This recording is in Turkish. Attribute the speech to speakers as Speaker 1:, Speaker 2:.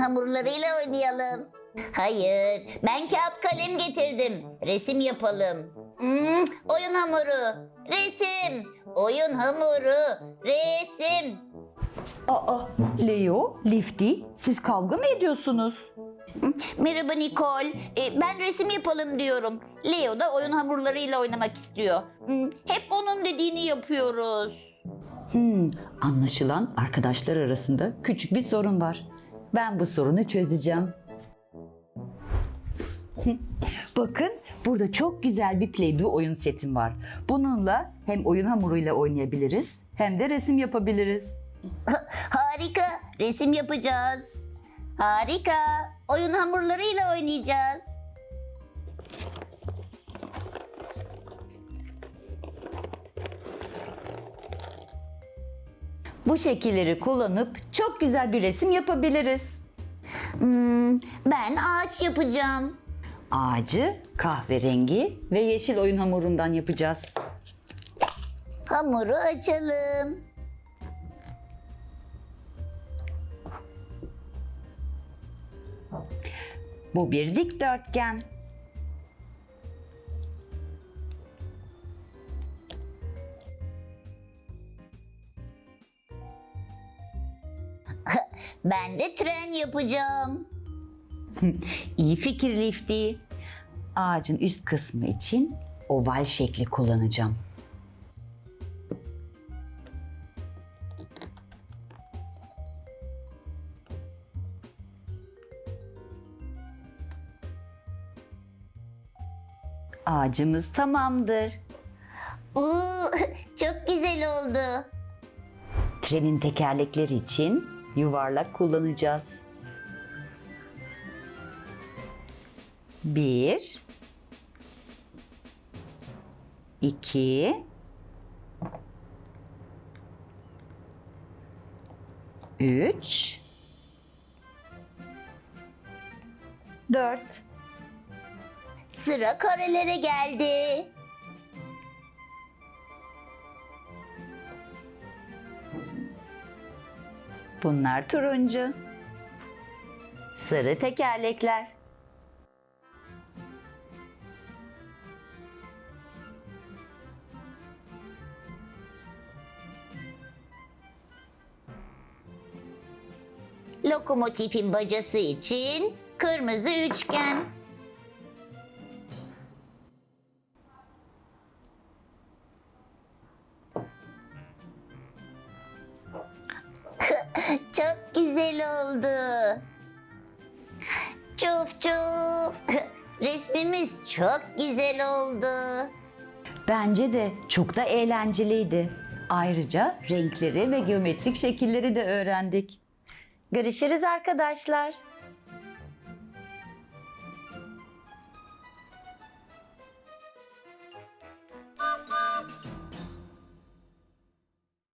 Speaker 1: hamurlarıyla oynayalım. Hayır, ben kağıt kalem getirdim. Resim yapalım. Oyun hamuru, resim. Oyun hamuru, resim.
Speaker 2: Aa, Leo, Lifty, siz kavga mı ediyorsunuz?
Speaker 1: Merhaba Nicole. Ben resim yapalım diyorum. Leo da oyun hamurlarıyla oynamak istiyor. Hep onun dediğini yapıyoruz.
Speaker 2: Anlaşılan arkadaşlar arasında küçük bir sorun var. Ben bu sorunu çözeceğim. Bakın, burada çok güzel bir Play-Doh oyun setim var. Bununla hem oyun hamuruyla oynayabiliriz hem de resim yapabiliriz.
Speaker 1: Harika, resim yapacağız. Harika, oyun hamurlarıyla oynayacağız.
Speaker 2: Bu şekilleri kullanıp çok güzel bir resim yapabiliriz.
Speaker 1: Ben ağaç yapacağım.
Speaker 2: Ağacı kahverengi ve yeşil oyun hamurundan yapacağız.
Speaker 1: Hamuru açalım.
Speaker 2: Bu bir dikdörtgen.
Speaker 1: Ben de tren yapacağım.
Speaker 2: İyi fikir Lifty. Ağacın üst kısmı için oval şekli kullanacağım. Ağacımız tamamdır.
Speaker 1: Çok güzel oldu.
Speaker 2: Trenin tekerlekleri için yuvarlak kullanacağız. 1 2 3 4
Speaker 1: Sıra karelere geldi.
Speaker 2: Bunlar turuncu. Sarı tekerlekler.
Speaker 1: Lokomotifin bacası için kırmızı üçgen. Çok güzel oldu. Çuf çuf. Resmimiz çok güzel oldu.
Speaker 2: Bence de çok da eğlenceliydi. Ayrıca renkleri ve geometrik şekilleri de öğrendik. Görüşürüz arkadaşlar.